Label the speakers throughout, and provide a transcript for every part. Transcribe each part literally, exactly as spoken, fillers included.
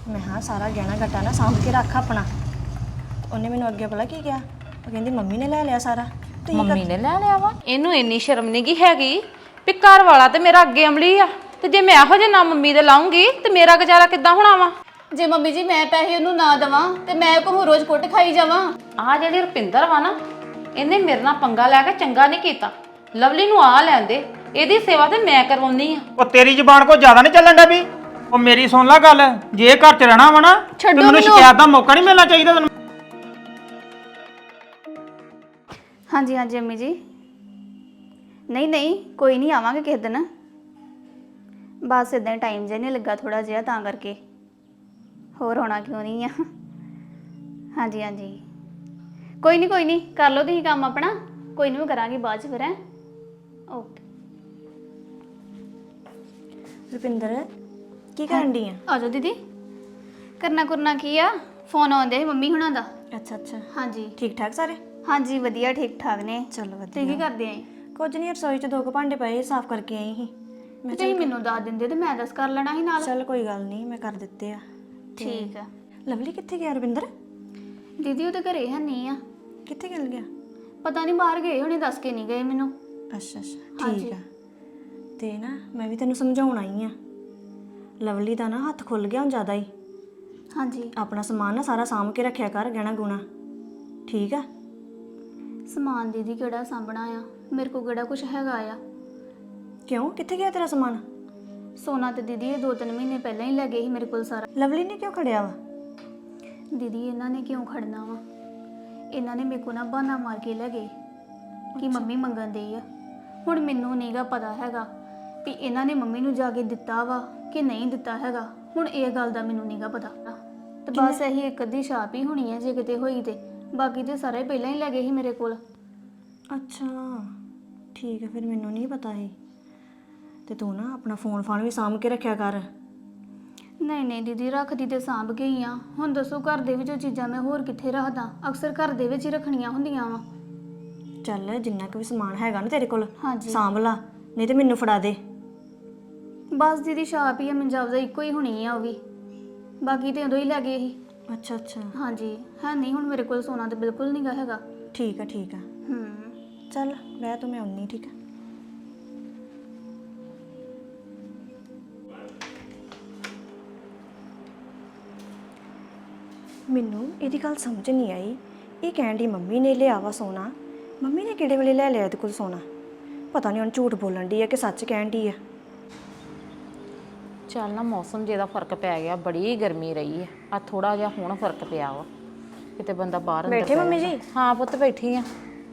Speaker 1: मैं हाँ सारा गहना गट्टा ना साँभ के रख अपना। उन्हें मैनू अगे पता की कहा, वो कहती मम्मी ने ले लिया सारा। तो
Speaker 2: ਮੰਮੀ ਨੇ ਲੈ ਲਿਆ ਵਾ ਇਹਨੂੰ ਇੰਨੀ ਸ਼ਰਮ ਨਹੀਂ ਗੀ ਹੈਗੀ ਵੀ ਘਰ ਵਾਲਾ ਤੇ ਮੇਰਾ ਅੱਗੇ ਅਮਲੀ ਆ ਤੇ ਜੇ ਮੈਂ ਇਹੋ ਜਿਹੇ ਨਾ ਮੰਮੀ ਦੇ ਲਾਉਂਗੀ ਤੇ ਮੇਰਾ ਗੁਜ਼ਾਰਾ ਕਿੱਦਾਂ ਹੋਣਾ ਵਾ।
Speaker 3: ਜੇ ਮੰਮੀ ਜੀ ਮੈਂ ਪੈਸੇ ਉਹਨੂੰ ਨਾ ਦਵਾਂ ਤੇ ਮੈਂ ਕੋਹ ਰੋਜ਼ ਕੁੱਟ ਖਾਈ ਜਾਵਾਂ।
Speaker 2: ਆਹ ਜਿਹੜੀ ਰੁਪਿੰਦਰ ਵਾ ਨਾ ਇਹਨੇ ਮੇਰੇ ਨਾਲ ਪੰਗਾ ਲੈ ਕੇ ਚੰਗਾ ਨਹੀਂ ਕੀਤਾ। ਲਵਲੀ ਨੂੰ ਆ ਲੈਂਦੇ ਇਹਦੀ ਸੇਵਾ ਤੇ ਮੈਂ ਕਰਵਾਉਣੀ ਆ।
Speaker 4: ਉਹ ਤੇਰੀ ਜ਼ਬਾਨ ਕੋ ਜ਼ਿਆਦਾ ਨਹੀਂ ਚੱਲਣ ਦਾ ਵੀ। ਉਹ ਮੇਰੀ ਸੁਣ ਲੈ ਗੱਲ, ਜੇ ਘਰ 'ਚ ਰਹਿਣਾ ਵਾ ਨਾ ਤੇ ਮੈਨੂੰ ਸ਼ਿਕਾਇਤ ਦਾ ਮੌਕਾ ਨਹੀਂ ਮਿਲਣਾ ਚਾਹੀਦਾ ਤੈਨੂੰ।
Speaker 3: ਹਾਂਜੀ ਹਾਂਜੀ ਅੰਮੀ ਜੀ, ਨਹੀਂ ਨਹੀਂ ਕੋਈ ਨਹੀਂ ਆਵਾਂਗੇ ਕਿਸੇ ਦਿਨ, ਬਸ ਇਦਾਂ ਟਾਈਮ ਜਿਹਾ ਨਹੀਂ ਲੱਗਾ ਥੋੜਾ ਜਿਹਾ ਤਾਂ ਕਰਕੇ। ਹੋਰ ਹੋਣਾ ਕਿਉਂ ਨਹੀਂ ਆ। ਹਾਂਜੀ ਹਾਂਜੀ ਕੋਈ ਨਹੀਂ ਕੋਈ ਨਹੀਂ, ਕਰ ਲਓ ਤੁਸੀਂ ਕੰਮ ਆਪਣਾ, ਕੋਈ ਨਹੀਂ ਮੈਂ ਕਰਾਂਗੀ ਬਾਅਦ 'ਚ ਫਿਰ। ਹੈ ਓਕੇ।
Speaker 1: रुपिंदर की करन डी
Speaker 3: ਆ ਜਾਓ ਦੀਦੀ। ਕਰਨਾ ਕਰਨਾ ਕੀ ਆ, ਫੋਨ ਆਉਂਦੇ ਸੀ ਮੰਮੀ ਹੁਣਾਂ ਦਾ।
Speaker 1: अच्छा अच्छा
Speaker 3: ਹਾਂਜੀ
Speaker 1: ठीक ठाक सारे?
Speaker 3: ਹਾਂਜੀ ਵਧੀਆ ਠੀਕ ਠਾਕ ਨੇ।
Speaker 1: चलो
Speaker 3: ਤੁਸੀਂ
Speaker 1: वधिया।
Speaker 3: ਕੀ ਕਰਦੇ ਆਂ?
Speaker 1: कुछ नहीं, रसोई च दो कुछ भांडे पए साफ करके आई ही। मैं
Speaker 3: ਤੁਸੀਂ ਮੈਨੂੰ ਦੱਸ ਦਿੰਦੇ ਤੇ ਮੈਂ ਦੱਸ ਕਰ ਲੈਣਾ ਸੀ ਨਾਲ।
Speaker 1: चल कोई गल नहीं, मैं कर दिते आ।
Speaker 3: ਠੀਕ ਆ।
Speaker 1: लवली कित्थे गया रुपिंदर?
Speaker 3: ਦੀਦੀ ਉਹ ਤਾਂ ਘਰੇ ਹੈ ਨਹੀਂ ਆ।
Speaker 1: कित्थे गल गया?
Speaker 3: ਪਤਾ ਨਹੀਂ ਬਾਹਰ ਗਏ ਹੋਣੇ, ਦੱਸ ਕੇ ਨਹੀਂ ਗਏ ਮੈਨੂੰ।
Speaker 1: अच्छा अच्छा ठीक है। ਤੇ ਨਾ ਮੈਂ ਵੀ ਤੈਨੂੰ ਸਮਝਾਉਣ ਆਈ ਆ, ਲਵਲੀ ਦਾ ਨਾ ਹੱਥ ਖੁੱਲ ਗਿਆ ਹੁਣ ਜ਼ਿਆਦਾ ਹੀ।
Speaker 3: ਹਾਂਜੀ
Speaker 1: ਆਪਣਾ ਸਮਾਨ ਨਾ ਸਾਰਾ ਸਾਂਭ ਕੇ ਰੱਖਿਆ ਕਰ, ਗਹਿਣਾ ਗੁਣਾ, ਠੀਕ ਆ?
Speaker 3: ਸਮਾਨ ਦੀਦੀ ਕਿਹੜਾ ਸਾਂਭਣਾ ਆ, ਮੇਰੇ ਕੋਲ ਕਿਹੜਾ ਕੁਝ ਹੈਗਾ ਆ।
Speaker 1: ਕਿਉਂ, ਕਿੱਥੇ ਗਿਆ ਤੇਰਾ ਸਮਾਨ?
Speaker 3: ਸੋਨਾ ਤੇ ਦੀਦੀ ਇਹ ਦੋ ਤਿੰਨ ਮਹੀਨੇ ਪਹਿਲਾਂ ਹੀ ਲੈ ਗਏ ਸੀ ਮੇਰੇ ਕੋਲ ਸਾਰਾ।
Speaker 1: ਲਵਲੀ ਨੇ ਕਿਉਂ ਖੜਿਆ ਵਾ?
Speaker 3: ਦੀਦੀ ਇਹਨਾਂ ਨੇ ਕਿਉਂ ਖੜਨਾ ਵਾ, ਇਹਨਾਂ ਨੇ ਮੇਰੇ ਕੋਲ ਨਾ ਬਹਾਨਾ ਮਾਰ ਕੇ ਲੈ ਗਏ ਕਿ ਮੰਮੀ ਮੰਗਣ ਦੇ ਆ। ਹੁਣ ਮੈਨੂੰ ਨਹੀਂਗਾ ਪਤਾ ਹੈਗਾ ਵੀ ਇਹਨਾਂ ਨੇ ਮੰਮੀ ਨੂੰ ਜਾ ਕੇ ਦਿੱਤਾ ਵਾ ਕਿ ਨਹੀਂ ਦਿੱਤਾ ਹੈਗਾ। ਹੁਣ ਇਹ ਗੱਲ ਦਾ ਮੈਨੂੰ ਨਹੀਂਗਾ ਪਤਾ, ਤੇ ਬਸ ਇਹੀ ਇੱਕ ਅੱਧੀ ਛਾਪ ਹੀ ਹੋਣੀ ਹੈ ਜੇ ਕਿਤੇ ਹੋਈ ਤੇ, ਬਾਕੀ ਤੇ ਸਾਰੇ ਪਹਿਲਾਂ ਹੀ ਲੈ ਗਏ ਸੀ ਮੇਰੇ ਕੋਲ।
Speaker 1: ਅੱਛਾ ਠੀਕ ਹੈ, ਫਿਰ ਮੈਨੂੰ ਨਹੀਂ ਪਤਾ ਸੀ। ਤੇ ਤੂੰ ਨਾ ਆਪਣਾ ਫੋਨ ਫਾਨ ਵੀ ਸਾਂਭ ਕੇ ਰੱਖਿਆ ਕਰ।
Speaker 3: ਨਹੀਂ ਨਹੀਂ ਦੀਦੀ ਰੱਖਦੀ ਤੇ ਸਾਂਭ ਗਈ ਆ। ਹੁਣ ਦੱਸੋ ਘਰ ਦੇ ਵਿੱਚ ਉਹ ਚੀਜ਼ਾਂ ਮੈਂ ਹੋਰ ਕਿੱਥੇ ਰੱਖਦਾ, ਅਕਸਰ ਘਰ ਦੇ ਵਿੱਚ ਹੀ ਰੱਖਣੀਆਂ ਹੁੰਦੀਆਂ ਵਾ।
Speaker 1: ਚੱਲ ਜਿੰਨਾ ਕੁ ਵੀ ਸਮਾਨ ਹੈਗਾ ਨਾ ਤੇਰੇ ਕੋਲ
Speaker 3: ਹਾਂਜੀ
Speaker 1: ਸਾਂਭ ਲਾ, ਨਹੀਂ ਤੇ ਮੈਨੂੰ ਫੜਾ ਦੇ।
Speaker 3: ਬਸ ਦੀਦੀ ਛਾਪ ਹੀ ਆ, ਮੰਜਾਵਦਾ ਇੱਕੋ ਹੀ ਹੋਣੀ ਆ ਉਹ ਵੀ, ਬਾਕੀ ਤੇ ਉਦੋਂ ਹੀ ਲੈ ਗਏ ਸੀ।
Speaker 1: ਅੱਛਾ ਅੱਛਾ
Speaker 3: ਹਾਂਜੀ ਹੈ ਨਹੀਂ ਹੁਣ ਮੇਰੇ ਕੋਲ ਸੋਨਾ ਤੇ ਬਿਲਕੁਲ ਨਹੀਂਗਾ ਹੈਗਾ।
Speaker 1: ਠੀਕ ਆ ਠੀਕ ਆ,
Speaker 3: ਹੂੰ
Speaker 1: ਚੱਲ ਬਹਿ ਤੂੰ, ਮੈਂ ਆਉਣੀ। ਠੀਕ ਆ। ਮੈਨੂੰ ਇਹਦੀ ਗੱਲ ਸਮਝ ਨਹੀਂ ਆਈ। ਇਹ ਕਹਿਣ ਦੀ ਮੰਮੀ ਨੇ ਲਿਆ ਵਾ ਸੋਨਾ, ਮੰਮੀ ਨੇ ਕਿਹੜੇ ਵੇਲੇ ਲੈ ਲਿਆ ਇਹਦੇ ਕੋਲ ਸੋਨਾ? ਪਤਾ ਨਹੀਂ ਹੁਣ ਝੂਠ ਬੋਲਣ ਦੀ ਆ ਕਿ ਸੱਚ ਕਹਿਣ ਦੀ ਆ।
Speaker 2: ਚੱਲ ਨਾ ਮੌਸਮ ਜਿਹਦਾ ਫਰਕ ਪੈ ਗਿਆ, ਬੜੀ ਗਰਮੀ ਰਹੀ ਹੈ, ਆ ਥੋੜਾ ਜਿਹਾ ਹੁਣ ਫਰਕ ਪਿਆ ਵਾ, ਕਿਤੇ ਬੰਦਾ ਬਾਹਰ ਅੰਦਰ
Speaker 1: ਬੈਠੇ ਮੰਮੀ ਜੀ?
Speaker 2: ਹਾਂ ਪੁੱਤ ਬੈਠੀ ਆ।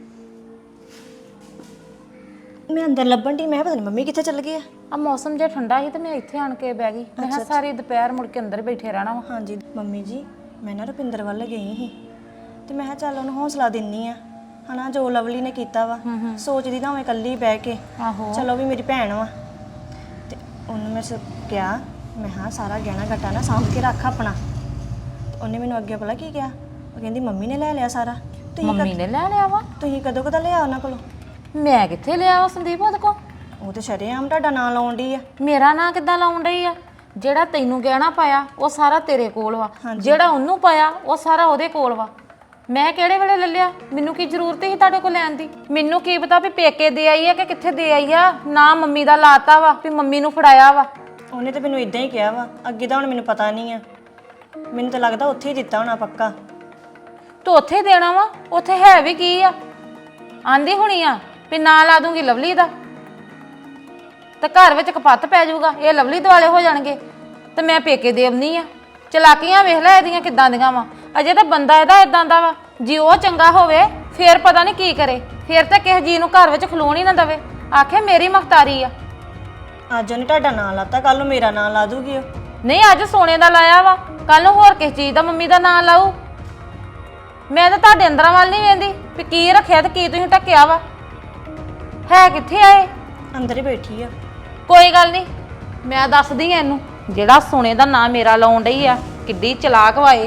Speaker 1: ਮੈਂ ਅੰਦਰ ਲੱਭਣ ਦੀ, ਮੈਂ ਪਤਾ ਨਹੀਂ ਮੰਮੀ ਕਿੱਥੇ ਚੱਲ ਗਏ ਆ।
Speaker 2: ਆ ਮੌਸਮ ਜਿਹਾ ਠੰਡਾ ਸੀ ਤੇ ਮੈਂ ਇੱਥੇ ਆਣ ਕੇ ਬਹਿ ਗਈ। ਮੈਂ ਕਿਹਾ ਸਾਰੀ ਦੁਪਹਿਰ ਮੁੜ ਕੇ ਅੰਦਰ ਬੈਠੇ ਰਹਿਣਾ ਵਾ।
Speaker 1: ਹਾਂਜੀ ਮੰਮੀ ਜੀ, ਮੈਂ ਨਾ ਰੁਪਿੰਦਰ ਵੱਲ ਗਈ ਸੀ ਤੇ ਮੈਂ ਕਿਹਾ ਚੱਲ ਉਹਨੂੰ ਹੌਸਲਾ ਦਿੰਨੀ ਆ, ਹਨਾ ਜੋ ਲਵਲੀ ਨੇ ਕੀਤਾ ਵਾ। ਸੋਚਦੀ ਤਾਂ ਮੈਂ ਇਕੱਲੀ ਬਹਿ ਕੇ,
Speaker 2: ਆਹੋ
Speaker 1: ਚਲੋ ਵੀ ਮੇਰੀ ਭੈਣ ਵਾ। ਤੇ ਉਹਨੂੰ ਮੈਂ ਸ- ਕਿਹਾ, ਮੈਂ ਹਾਂ ਸਾਰਾ ਗਹਿਣਾ ਗੱਟਾ ਨਾ ਸਾਂਭ ਕੇ ਰੱਖ ਆਪਣਾ। ਤੇ ਉਹਨੇ ਮੈਨੂੰ ਅੱਗੇ ਪਤਾ ਕੀ ਕਿਹਾ, ਉਹ ਕਹਿੰਦੀ ਮੰਮੀ ਨੇ ਲੈ ਲਿਆ ਸਾਰਾ। ਤੁਸੀਂ
Speaker 2: ਮੰਮੀ ਨੇ ਲੈ ਲਿਆ ਵਾ?
Speaker 1: ਤੁਸੀਂ ਕਦੋਂ ਕਦੋਂ ਲਿਆ ਉਹਨਾਂ ਕੋਲੋਂ?
Speaker 2: ਮੈਂ ਕਿੱਥੇ ਲਿਆ ਵਾ ਸੰਦੀਪ ਉਹਦੇ ਕੋ?
Speaker 1: ਉਹ ਤੇ ਸ਼ਰੇਆਮ ਤੁਹਾਡਾ ਨਾਂ ਲਾਉਣ ਡਈ ਆ।
Speaker 2: ਮੇਰਾ ਨਾਂ ਕਿੱਦਾਂ ਲਾਉਣ ਡਈ ਆ? ਜਿਹੜਾ ਤੈਨੂੰ ਗਹਿਣਾ ਪਾਇਆ ਉਹ ਸਾਰਾ ਤੇਰੇ ਕੋਲ ਵਾ, ਜਿਹੜਾ ਉਹਨੂੰ ਪਾਇਆ ਉਹ ਸਾਰਾ ਉਹਦੇ ਕੋਲ ਵਾ। ਮੈਂ ਕਿਹੜੇ ਵੇਲੇ ਲੈ ਲਿਆ? ਮੈਨੂੰ ਕੀ ਜ਼ਰੂਰਤ ਸੀ ਤੁਹਾਡੇ ਕੋਲ ਲੈਣ ਦੀ? ਮੈਨੂੰ ਕੀ ਪਤਾ ਵੀ ਪੇਕੇ ਦੇ ਆਈ ਆ ਕਿ ਕਿੱਥੇ ਦੇ ਆਈ ਆ? ਨਾ ਮੰਮੀ ਦਾ ਲਾਤਾ ਵਾ ਵੀ ਮੰਮੀ ਨੂੰ ਫੜਾਇਆ ਵਾ।
Speaker 1: ਉਹਨੇ ਤੇ ਮੈਨੂੰ ਇਦਾਂ ਹੀ ਕਿਹਾ ਵਾ, ਅੱਗੇ ਤਾਂ ਹੁਣ ਮੈਨੂੰ ਪਤਾ ਨਹੀਂ ਆ। ਮੈਨੂੰ ਤਾਂ ਲੱਗਦਾ ਉੱਥੇ ਹੀ ਦਿੱਤਾ ਹੋਣਾ ਪੱਕਾ।
Speaker 2: ਤੂੰ ਉੱਥੇ ਦੇਣਾ ਵਾ? ਉੱਥੇ ਹੈ ਵੀ ਕੀ ਆ? ਆਂਦੀ ਹੋਣੀ ਆ ਵੀ ਨਾਂ ਲਾ ਦੂੰਗੀ ਲਵਲੀ ਦਾ, ਤੇ ਘਰ ਵਿੱਚ ਕਪੱਤ ਪੈ ਜਾਊਗਾ, ਇਹ ਲਵਲੀ ਦੁਆਲੇ ਹੋ ਜਾਣਗੇ ਤੇ ਮੈਂ ਪੇਕੇ ਦੇ ਆਉਣੀ ਆ। ਚਲਾਕੀਆਂ ਵੇਖ ਲੈ ਇਹਦੀਆਂ ਕਿੱਦਾਂ ਦੀਆਂ ਵਾ। ਅਜੇ ਤਾਂ ਬੰਦਾ ਇਹਦਾ ਇਦਾਂ ਦਾ ਵਾ, ਜੇ ਉਹ ਚੰਗਾ ਹੋਵੇ ਫੇਰ ਪਤਾ ਨਹੀਂ ਕੀ ਕਰੇ, ਫੇਰ ਤਾਂ ਕਿਸੇ ਜੀ ਨੂੰ ਘਰ ਵਿੱਚ ਖਲੋਣ ਹੀ ਨਾ ਦਵੇ, ਆਖੇ ਮੇਰੀ ਮਖਤਾਰੀ ਆ।
Speaker 1: ਅੱਜ ਉਹਨੇ ਤੁਹਾਡਾ ਨਾਂ ਲਾਤਾ, ਕੱਲ ਨੂੰ ਮੇਰਾ ਨਾਂ ਲਾ ਦੂਗੀ ਉਹ।
Speaker 2: ਨਹੀਂ ਅੱਜ ਸੋਨੇ ਦਾ ਲਾਇਆ ਵਾ, ਕੱਲ ਨੂੰ ਹੋਰ ਕਿਸ ਚੀਜ਼ ਦਾ ਮੰਮੀ ਦਾ ਨਾਂ ਲਾਊ। ਮੈਂ ਤਾਂ ਤੁਹਾਡੇ ਅੰਦਰਾਂ ਵੱਲ ਨਹੀਂ ਵੇਂਦੀ ਵੀ ਕੀ ਰੱਖਿਆ ਤੇ ਕੀ ਤੁਸੀਂ ਢੱਕਿਆ ਵਾ। ਹੈ ਕਿੱਥੇ ਆਏ?
Speaker 1: ਅੰਦਰ ਹੀ ਬੈਠੀ ਆ।
Speaker 2: ਕੋਈ ਗੱਲ ਨਹੀਂ, ਮੈਂ ਦੱਸਦੀ ਆ ਇਹਨੂੰ, ਜਿਹੜਾ ਸੋਨੇ ਦਾ ਨਾਂ ਮੇਰਾ ਲਾਉਣ ਡਈ ਆ, ਕਿੱਡੀ ਚਲਾਕ ਵਾਏ।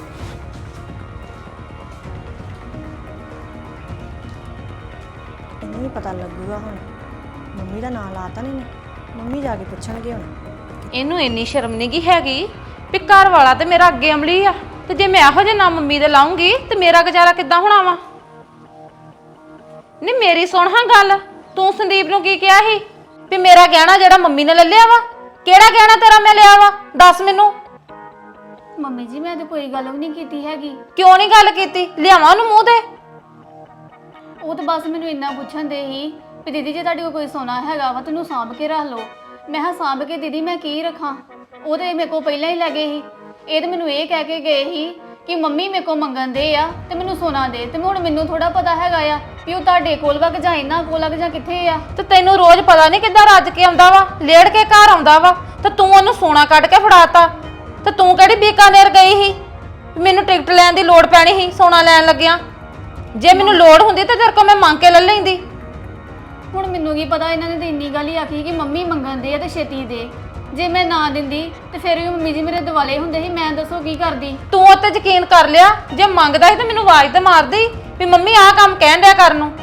Speaker 1: ਇਹਨੂੰ ਵੀ ਪਤਾ ਲੱਗੂਗਾ ਹੁਣ, ਮੰਮੀ ਦਾ ਨਾਂ ਲਾਤਾ ਨਹੀਂ ਨੇ, ਮੰਮੀ ਜਾ ਕੇ ਪੁੱਛਣਗੇ ਹੁਣ।
Speaker 2: ਇਹਨੂੰ ਇੰਨੀ ਸ਼ਰਮ ਨਹੀਂ ਗੀ ਹੈਗੀ ਵੀ ਘਰ ਵਾਲਾ ਤੇ ਮੇਰਾ ਅੱਗੇ ਅਮਲੀ ਆ, ਤੇ ਜੇ ਮੈਂ ਇਹੋ ਜਿਹੇ ਨਾ ਮੰਮੀ ਦੇ ਲਾਉਂਗੀ ਤੇ ਮੇਰਾ ਗੁਜ਼ਾਰਾ ਕਿੱਦਾਂ ਹੋਣਾ ਵਾ? ਨਹੀਂ ਮੇਰੀ ਸੁਣ ਹਾਂ ਗੱਲ, ਤੂੰ ਸੰਦੀਪ ਨੂੰ ਕੀ ਕਿਹਾ ਸੀ ਵੀ ਮੇਰਾ ਗਹਿਣਾ ਜਿਹੜਾ ਮੰਮੀ ਨੇ ਲੈ ਲਿਆ ਵਾ? ਕਿਹੜਾ ਗਹਿਣਾ ਤੇਰਾ ਮੈਂ ਲਿਆ ਵਾ ਦੱਸ ਮੈਨੂੰ।
Speaker 3: ਮੰਮੀ ਜੀ ਮੈਂ ਤਾਂ ਕੋਈ ਗੱਲ ਵੀ ਨਹੀਂ ਕੀਤੀ ਹੈਗੀ।
Speaker 2: ਕਿਉਂ ਨਹੀਂ ਗੱਲ ਕੀਤੀ? ਲਿਆਵਾਂ ਉਹਨੂੰ ਮੂੰਹ ਤੇ।
Speaker 3: ਉਹ ਤਾਂ ਬਸ ਮੈਨੂੰ ਇੰਨਾ ਪੁੱਛਣ ਦੇ ਹੀ ਵੀ ਦੀਦੀ ਜੇ ਤੁਹਾਡੇ ਕੋਲ ਕੋਈ ਸੋਨਾ ਹੈਗਾ ਵਾ ਤੈਨੂੰ ਸਾਂਭ ਕੇ ਰੱਖ ਲਓ। ਮੈਂ ਕਿਹਾ ਸਾਂਭ ਕੇ ਦੀਦੀ ਮੈਂ ਕੀ ਰੱਖਾਂ, ਉਹ ਤੇ ਮੇਰੇ ਕੋਲ ਪਹਿਲਾਂ ਹੀ ਲੱਗੇ ਸੀ। ਇਹ ਤਾਂ ਮੈਨੂੰ ਇਹ ਕਹਿ ਕੇ ਗਏ ਸੀ ਕਿ ਮੰਮੀ ਮੇਰੇ ਕੋਲ ਮੰਗਣ ਦੇ ਆ ਤੇ ਮੈਨੂੰ ਸੋਨਾ ਦੇ, ਤੇ ਹੁਣ ਮੈਨੂੰ ਥੋੜਾ ਪਤਾ ਹੈਗਾ ਆ ਵੀ ਉਹ ਤੁਹਾਡੇ ਕੋਲ ਵਾ ਕਿ ਜਾਂ ਇਹਨਾਂ ਕੋਲ ਆ ਕਿ ਜਾਂ ਕਿੱਥੇ ਆ।
Speaker 2: ਤੇ ਤੈਨੂੰ ਰੋਜ਼ ਪਤਾ ਨਹੀਂ ਕਿੱਦਾਂ ਰੱਜ ਕੇ ਆਉਂਦਾ ਵਾ, ਲੇੜ ਕੇ ਘਰ ਆਉਂਦਾ ਵਾ, ਤੇ ਤੂੰ ਉਹਨੂੰ ਸੋਨਾ ਕੱਢ ਕੇ ਫੜਾਤਾ। ਤੇ ਤੂੰ ਕਿਹੜੀ ਬੀਕਾਨੇਰ ਗਈ ਸੀ ਮੈਨੂੰ ਟਿਕਟ ਲੈਣ ਦੀ ਲੋੜ ਪੈਣੀ ਸੀ ਸੋਨਾ ਲੈਣ ਲੱਗਿਆ? ਜੇ ਮੈਨੂੰ ਲੋੜ ਹੁੰਦੀ ਤੇ ਤੇਰੇ ਕੋਲ ਮੈਂ ਮੰਗ ਕੇ ਲੈ ਲੈਂਦੀ।
Speaker 3: ਹੁਣ ਮੈਨੂੰ ਕੀ ਪਤਾ, ਇਹਨਾਂ ਨੇ ਤਾਂ ਇੰਨੀ ਗੱਲ ਹੀ ਆਖੀ ਕਿ ਮੰਮੀ ਮੰਗਣ ਦੇ ਆ ਤੇ ਛੇਤੀ ਦੇ। ਜੇ ਮੈਂ ਨਾ ਦਿੰਦੀ ਤੇ ਫਿਰ ਵੀ ਮੰਮੀ ਜੀ ਮੇਰੇ ਦਿਵਾਲੇ ਹੁੰਦੇ ਸੀ, ਮੈਂ ਦੱਸੋ ਕੀ ਕਰਦੀ।
Speaker 2: ਤੂੰ ਉਹ ਤੇ ਯਕੀਨ ਕਰ ਲਿਆ, ਜੇ ਮੰਗਦਾ ਸੀ ਤੇ ਮੈਨੂੰ ਆਵਾਜ਼ ਤੇ ਮਾਰਦੀ ਵੀ ਮੰਮੀ ਆਹ ਕੰਮ ਕਹਿਣ ਡਿਆ ਕਰਨ ਨੂੰ।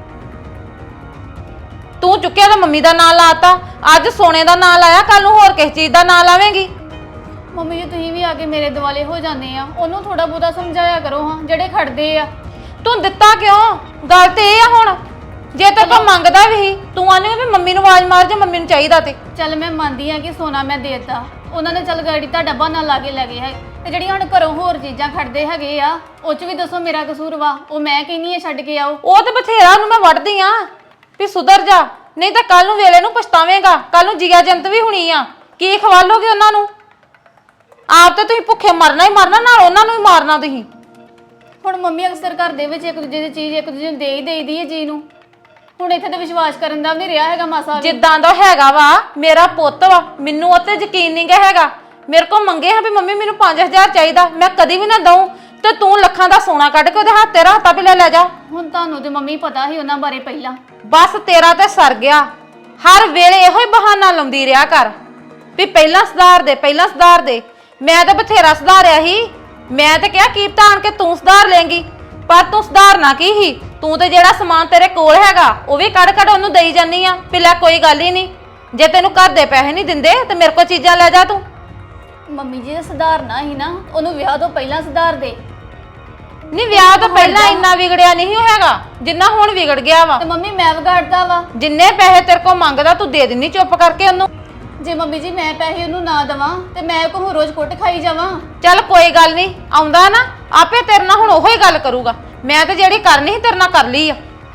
Speaker 2: ਤੂੰ ਚੁੱਕਿਆ ਤਾਂ ਮੰਮੀ ਦਾ ਨਾਂ ਲਾਤਾ, ਅੱਜ ਸੋਨੇ ਦਾ ਨਾਂ ਲਾਇਆ, ਕੱਲ ਨੂੰ ਹੋਰ ਕਿਸ ਚੀਜ਼ ਦਾ ਨਾਂ ਲਾਵੇਂਗੀ।
Speaker 3: ਮੰਮੀ ਜੀ ਤੁਸੀਂ ਵੀ ਆ ਕੇ ਮੇਰੇ ਦਿਵਾਲੇ ਹੋ ਜਾਂਦੇ ਆ, ਉਹਨੂੰ ਥੋੜਾ ਬਹੁਤਾ ਸਮਝਾਇਆ ਕਰੋ ਹਾਂ ਜਿਹੜੇ ਖੜਦੇ ਆ।
Speaker 2: ਤੂੰ ਦਿੱਤਾ ਕਿਉਂ? ਗੱਲ ਤੇ ਇਹ ਆ ਹੁਣ, ਜੇ ਤੇਰੇ ਕੋਲ ਮੰਗਦਾ ਵੀ ਤੂੰ ਆਨੇ ਵੀ ਮੰਮੀ ਨੂੰ ਆਵਾਜ਼ ਮਾਰ ਜੇ ਮੰਮੀ ਨੂੰ ਚਾਹੀਦਾ ਤੇ।
Speaker 3: ਚੱਲ ਮੈਂ ਮੰਨਦੀ ਆ ਕਿ ਸੋਨਾ ਮੈਂ ਦੇਤਾ, ਉਹਨਾਂ ਨੇ ਚੱਲ ਗਾੜੀ ਤੁਹਾਡਾ ਬਹਾਨਾ ਲਾ ਕੇ ਲੈ ਗਏ ਹੈ, ਤੇ ਜਿਹੜੀਆਂ ਹੁਣ ਘਰੋਂ ਹੋਰ ਚੀਜ਼ਾਂ ਖੜਦੇ ਹੈਗੇ ਆ ਉਹ ਚ ਵੀ ਦੱਸੋ ਮੇਰਾ ਕਸੂਰ ਵਾ? ਉਹ ਮੈਂ ਕਹਿੰਦੀ ਆ ਛੱਡ ਕੇ ਆਓ।
Speaker 2: ਉਹ ਤੇ ਬਥੇਰਾ ਨੂੰ ਮੈਂ ਵੜਦੀ ਆ ਵੀ ਸੁਧਰ ਜਾ, ਨਹੀਂ ਤਾਂ ਕੱਲ ਨੂੰ ਵੇਲੇ ਨੂੰ ਪਛਤਾਵੇਂਗਾ। ਕੱਲ ਨੂੰ ਜੀਆ ਜੰਤ ਵੀ ਹੋਣੀ ਆ, ਕੀ ਖਵਾਲੋਗੇ ਉਹਨਾਂ ਨੂੰ? ਆਪ ਤਾਂ ਤੁਸੀਂ ਭੁੱਖੇ ਮਰਨਾ ਹੀ ਮਰਨਾ, ਨਾਲ ਉਹਨਾਂ ਨੂੰ ਵੀ ਮਾਰਨਾ ਤੁਸੀਂ।
Speaker 3: ਹੁਣ ਮੰਮੀ ਅਕਸਰ ਘਰ ਦੇ ਵਿੱਚ ਇੱਕ ਦੂਜੇ ਦੀ ਚੀਜ਼ ਇੱਕ ਦੂਜੇ ਨੂੰ ਦੇ ਹੀ ਦੇਈਦੀ ਹੈ ਜੀ ਨੂੰ। ਹੁਣ ਇੱਥੇ ਤਾਂ ਵਿਸ਼ਵਾਸ ਕਰਨ ਦਾ ਵੀ ਨਹੀਂ ਰਿਹਾ ਹੈਗਾ ਮਾਸਾ ਵੀ।
Speaker 2: ਜਿੱਦਾਂ ਦਾ ਹੈਗਾ ਵਾ ਮੇਰਾ ਪੁੱਤ ਵਾ, ਮੈਨੂੰ ਉਹ ਤੇ ਯਕੀਨ ਨਹੀਂ ਗਾ ਹੈਗਾ। ਮੇਰੇ ਕੋਲ ਮੰਗੇ ਹਾਂ ਵੀ ਮੰਮੀ ਮੈਨੂੰ ਪੰਜ ਹਜ਼ਾਰ ਚਾਹੀਦਾ, ਮੈਂ ਕਦੀ ਵੀ ਨਾ ਦਊਂ, ਤੇ ਤੂੰ ਲੱਖਾਂ ਦਾ ਸੋਨਾ ਕੱਢ ਕੇ ਉਹਦੇ ਹੱਥ ਤੇ ਰੱਖਤਾ ਵੀ ਲੈ ਲੈ ਜਾ।
Speaker 3: ਹੁਣ ਤੁਹਾਨੂੰ ਤੇ ਮੰਮੀ ਪਤਾ ਸੀ ਉਹਨਾਂ ਬਾਰੇ ਪਹਿਲਾਂ।
Speaker 2: ਬਸ ਤੇਰਾ ਤੇ ਸਰ ਗਿਆ, ਹਰ ਵੇਲੇ ਇਹੋ ਹੀ ਬਹਾਨਾ ਲਾਉਂਦੀ ਰਿਹਾ ਕਰ ਵੀ ਪਹਿਲਾਂ ਸੁਧਾਰ ਦੇ ਪਹਿਲਾਂ ਸੁਧਾਰ ਦੇ। ਮੈਂ ਤਾਂ ਬਥੇਰਾ ਸੁਧਾਰਿਆ ਸੀ, ਮੈਂ ਤੇ ਕਿਹਾ ਕੀਪਤਾ ਆਣ ਕੇ ਤੂੰ ਸੁਧਾਰ ਲੇਂਗੀ, ਪਰ ਤੂੰ ਸੁਧਾਰਨਾ ਕੀ ਸੀ? ਤੂੰ ਤੇ ਜਿਹੜਾ ਸਮਾਨ ਤੇਰੇ ਕੋਲ ਹੈਗਾ ਉਹ ਵੀ ਕੱਢ ਕੱਢ ਉਹਨੂੰ ਦੇਈ ਜਾਨੀ ਆ ਵੀ ਲੈ ਕੋਈ ਗੱਲ ਹੀ ਨਹੀਂ, ਜੇ ਤੈਨੂੰ ਘਰ ਦੇ ਪੈਸੇ ਨਹੀਂ ਦਿੰਦੇ ਤੇ ਮੇਰੇ ਕੋਲ ਚੀਜ਼ਾਂ ਲੈ ਜਾ ਤੂੰ।
Speaker 3: ਮੰਮੀ ਜੀ ਸੁਧਾਰਨਾ ਹੀ ਨਾ, ਉਹਨੂੰ ਵਿਆਹ ਤੋਂ ਪਹਿਲਾਂ ਸੁਧਾਰ ਦੇ।
Speaker 2: ਨਹੀਂ ਵਿਆਹ ਤੋਂ ਪਹਿਲਾਂ ਇੰਨਾ ਵਿਗੜਿਆ ਨਹੀਂ ਹੈਗਾ ਜਿੰਨਾ ਹੁਣ ਵਿਗੜ ਗਿਆ ਵਾ।
Speaker 3: ਤੇ ਮੰਮੀ ਮੈਂ ਵਿਗਾੜਦਾ ਵਾ?
Speaker 2: ਜਿੰਨੇ ਪੈਸੇ ਤੇਰੇ ਕੋਲ ਮੰਗਦਾ ਤੂੰ ਦੇ ਦਿੰਨੀ ਚੁੱਪ ਕਰਕੇ ਉਹਨੂੰ।
Speaker 3: ਜੇ ਮੰਮੀ ਜੀ ਮੈਂ ਪੈਸੇ ਉਹਨੂੰ ਨਾ ਦਵਾਂ ਤੇ ਮੈਂ ਕੋਹ ਰੋਜ਼ ਕੁੱਟ ਖਾਈ ਜਾਵਾਂ?
Speaker 2: ਚੱਲ ਕੋਈ ਗੱਲ ਨਹੀਂ, ਆਉਂਦਾ ਨਾ ਆਪੇ ਤੇਰੇ ਨਾਲ ਹੁਣ ਉਹੋ ਹੀ ਗੱਲ ਕਰੂਗਾ। ਮੈਂ ਤਾਂ ਜਿਹੜੀ ਕਰਨੀ ਸੀ ਤੇਰੇ ਨਾਲ ਕਰ ਲਈ ਆ।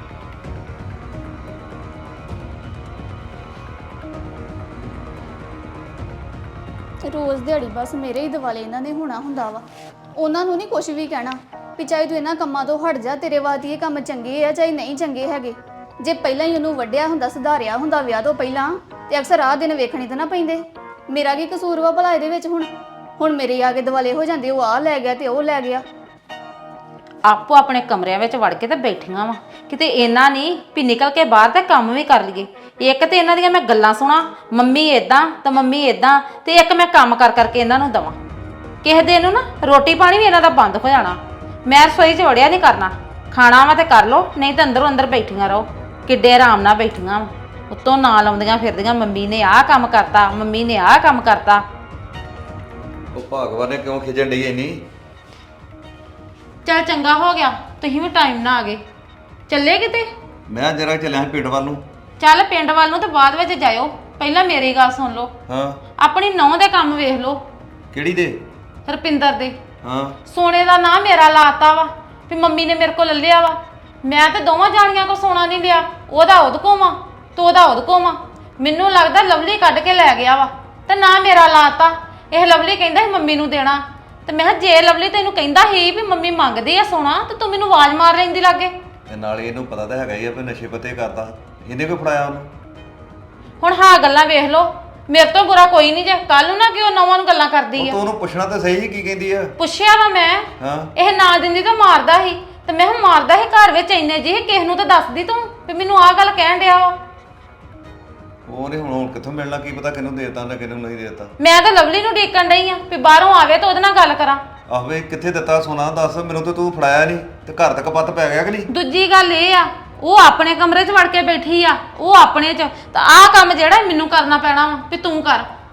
Speaker 3: ਰੋਜ਼ ਦਿਹਾੜੀ ਬਸ ਮੇਰੇ ਹੀ ਦਿਵਾਲੇ ਇਹਨਾਂ ਨੇ ਹੋਣਾ ਹੁੰਦਾ ਵਾ। ਉਹਨਾਂ ਨੂੰ ਨਹੀਂ ਕੁਝ ਵੀ ਕਹਿਣਾ ਵੀ ਚਾਹੇ ਤੂੰ ਇਹਨਾਂ ਕੰਮਾਂ ਤੋਂ ਹਟ ਜਾ, ਤੇਰੇ ਵਾਸਤੇ ਇਹ ਕੰਮ ਚੰਗੇ ਆ ਚਾਹੇ ਨਹੀਂ ਚੰਗੇ ਹੈਗੇ। ਜੇ ਪਹਿਲਾਂ ਹੀ ਉਹਨੂੰ ਵੱਢਿਆ ਹੁੰਦਾ ਸੁਧਾਰਿਆ ਹੁੰਦਾ ਵਿਆਹ ਤੋਂ ਪਹਿਲਾਂ ਤੇ ਅਕਸਰ ਆਹ ਦਿਨ ਵੇਖਣੇ ਤਾਂ ਨਾ ਪੈਂਦੇ। ਮੇਰਾ ਕੀ ਕਸੂਰ ਵਾ ਭਲਾ ਇਹਦੇ ਵਿੱਚ? ਹੁਣ ਹੁਣ ਮੇਰੇ ਆ ਕੇ ਦਿਵਾਲੇ ਹੋ ਜਾਂਦੇ, ਉਹ ਆਹ ਲੈ ਗਿਆ ਤੇ ਉਹ ਲੈ ਗਿਆ।
Speaker 2: ਆਪੋ ਆਪਣੇ ਕਮਰਿਆਂ ਵਿੱਚ ਵੜ ਕੇ ਤੇ ਬੈਠੀਆਂ ਵਾ, ਕਿਤੇ ਇਹਨਾਂ ਨਹੀਂ ਵੀ ਨਿਕਲ ਕੇ ਬਾਹਰ ਤੇ ਕੰਮ ਵੀ ਕਰ ਲਈਏ। ਇੱਕ ਤੇ ਇਹਨਾਂ ਦੀਆਂ ਮੈਂ ਗੱਲਾਂ ਸੁਣਾ, ਮੰਮੀ ਇਦਾਂ ਤੇ ਮੰਮੀ ਇਦਾਂ, ਤੇ ਇੱਕ ਮੈਂ ਕੰਮ ਕਰ ਕਰਕੇ ਇਹਨਾਂ ਨੂੰ ਦਵਾਂ। ਕਿਸੇ ਦਿਨ ਨੂੰ ਨਾ ਰੋਟੀ ਪਾਣੀ ਵੀ ਇਹਨਾਂ ਦਾ ਬੰਦ ਹੋ ਜਾਣਾ। ਮੈਂ ਰਸੋਈ 'ਚ ਵੜਿਆ ਨਹੀਂ ਕਰਨਾ, ਖਾਣਾ ਵਾ ਤੇ ਕਰ ਲਓ, ਨਹੀਂ ਤਾਂ ਅੰਦਰੋਂ ਅੰਦਰ ਬੈਠੀਆਂ ਰਹੋ। ਕਿੱਡੇ ਆਰਾਮ ਨਾਲ ਬੈਠੀਆਂ ਵਾ, ਉੱਤੋਂ ਨਾਲ ਆਉਂਦੀਆਂ ਫਿਰਦੀਆਂ ਮੰਮੀ ਨੇ ਆਹ ਕੰਮ ਕਰਤਾ, ਮੰਮੀ ਨੇ ਆਹ ਕੰਮ ਕਰਤਾ।
Speaker 5: ਉਹ ਭਗਵਾਨ ਨੇ ਕਿਉਂ ਖਿਜਣ ਡਈ ਇੰਨੀ?
Speaker 2: ਚੱਲ ਚੰਗਾ ਹੋ ਗਿਆ ਤੁਸੀਂ ਵੀ ਟਾਈਮ ਨਾਲ ਆ ਗਏ। ਚੱਲੇ ਕਿਤੇ?
Speaker 5: ਮੈਂ ਜਰਾ ਚੱਲਿਆ ਸੀ ਪਿੰਡ ਵੱਲ ਨੂੰ।
Speaker 2: ਚੱਲ ਪਿੰਡ ਵੱਲ ਨੂੰ ਤੇ ਬਾਅਦ ਵਿੱਚ ਜਾਇਓ, ਪਹਿਲਾਂ ਮੇਰੀ ਗੱਲ ਸੁਣ ਲਓ।
Speaker 5: ਹਾਂ।
Speaker 2: ਆਪਣੀ ਨੌਂ ਦੇ ਕੰਮ ਵੇਖ ਲਓ।
Speaker 5: ਕਿਹੜੀ ਦੇ?
Speaker 2: ਰੁਪਿੰਦਰ ਦੇ।
Speaker 5: ਹਾਂ।
Speaker 2: ਸੋਨੇ ਦਾ ਨਾਂ ਮੇਰਾ ਲਾਤਾ ਵਾ ਵੀ ਮੰਮੀ ਨੇ ਮੇਰੇ ਕੋਲ ਲੈ ਲਿਆ ਵਾ। ਮੈਂ ਤੇ ਦੋਵਾਂ ਜਾਣੀਆਂ ਕੋ ਸੋਨਾ ਨਹੀਂ ਲਿਆ, ਉਹਦਾ ਉਹਦੇ ਕੋਲ ਵਾ ਤੇ ਉਹਦਾ ਉਹਦੇ ਕੋਲ ਵਾ। ਮੈਨੂੰ ਲੱਗਦਾ ਲਵਲੀ ਕੱਢ ਕੇ ਲੈ ਗਿਆ ਵਾ ਤੇ ਨਾ ਮੇਰਾ ਲਾਤਾ। ਇਹ ਲਵਲੀ ਕਹਿੰਦਾ ਸੀ ਮੰਮੀ ਨੂੰ ਦੇਣਾ, ਤੇ ਮੈਂ ਕਿਹਾ ਜੇ ਲਵਲੀ ਤੈਨੂੰ ਕਹਿੰਦਾ ਸੀ ਵੀ ਮੰਮੀ ਮੰਗਦੀ ਆ ਸੋਨਾ ਤੇ ਤੂੰ ਮੈਨੂੰ ਆਵਾਜ਼ ਮਾਰ ਲੈਂਦੀ ਲਾਗੇ।
Speaker 5: ਤੇ ਨਾਲੇ ਇਹਨੂੰ ਪਤਾ ਤਾਂ ਹੈਗਾ ਹੀ ਆ ਵੀ ਨਸ਼ੇ ਪੱਤੇ ਕਰਦਾ, ਇਹਨੇ ਕੋਈ ਫੜਾਇਆ ਉਹਨੂੰ?
Speaker 2: ਹੁਣ ਹਾਂ ਗੱਲਾਂ ਵੇਖ ਲਓ, ਮੇਰੇ ਤੋਂ ਬੁਰਾ ਕੋਈ ਨਹੀਂ ਜੇ। ਕੱਲ ਨੂੰ ਨਾ ਕਿ ਉਹ ਨੌਵਾਂ ਨੂੰ ਗੱਲਾਂ ਕਰਦੀ
Speaker 5: ਉਹ
Speaker 2: ਆ।
Speaker 5: ਤੂੰ ਉਹਨੂੰ ਪੁੱਛਣਾ ਤਾਂ ਸਹੀ ਸੀ ਕੀ ਕਹਿੰਦੀ ਆ।
Speaker 2: ਪੁੱਛਿਆ ਵਾ ਮੈਂ,
Speaker 5: ਹਾਂ।
Speaker 2: ਇਹ ਨਾ ਦਿੰਦੀ ਤਾਂ ਮਾਰਦਾ ਸੀ, ਤੇ ਮੈਂ ਹੁਣ ਮਾਰਦਾ ਸੀ ਘਰ ਵਿੱਚ ਇੰਨੇ ਜਿਹੇ, ਕਿਸ ਨੂੰ ਤਾਂ ਦੱਸਦੀ ਤੂੰ ਵੀ ਮੈਨੂੰ ਆਹ ਗੱਲ ਕਹਿਣ ਡਿਆ ਵਾ।
Speaker 5: ਉਹਨੇ ਹੁਣ ਹੁਣ ਕਿੱਥੋਂ ਮਿਲਣਾ, ਕੀ ਪਤਾ ਕਿਹਨੂੰ ਦੇਤਾ ਨਾ ਕਿਹਨੂੰ ਨਹੀਂ ਦੇਤਾ।
Speaker 2: ਮੈਂ ਤਾਂ ਲਵਲੀ ਨੂੰ ਡੀਕਣ ਡਈ ਆ ਵੀ ਬਾਹਰੋਂ ਆਵੇ ਤਾਂ ਉਹਦੇ ਨਾਲ ਗੱਲ ਕਰਾਂ।
Speaker 5: ਆਹ ਵੇ ਕਿੱਥੇ ਦਿੱਤਾ ਸੋਨਾ ਦੱਸ ਮੈਨੂੰ, ਤੇ ਤੂੰ ਫੜਾਇਆ ਨਹੀਂ ਤੇ ਘਰ ਤੱਕ ਪੱਤ ਪੈ ਗਿਆ ਕਿ ਨਹੀਂ?
Speaker 2: ਦੂਜੀ ਗੱਲ ਇਹ ਆ, ਉਹ ਆਪਣੇ ਕਮਰੇ 'ਚ ਵੜ ਕੇ ਬੈਠੀ ਆ, ਉਹ ਆਪਣੇ 'ਚ, ਤਾਂ ਆਹ ਕੰਮ ਜਿਹੜਾ ਮੈਨੂੰ ਕਰਨਾ ਪੈਣਾ ਵਾ ਵੀ ਤੂੰ ਕਰ।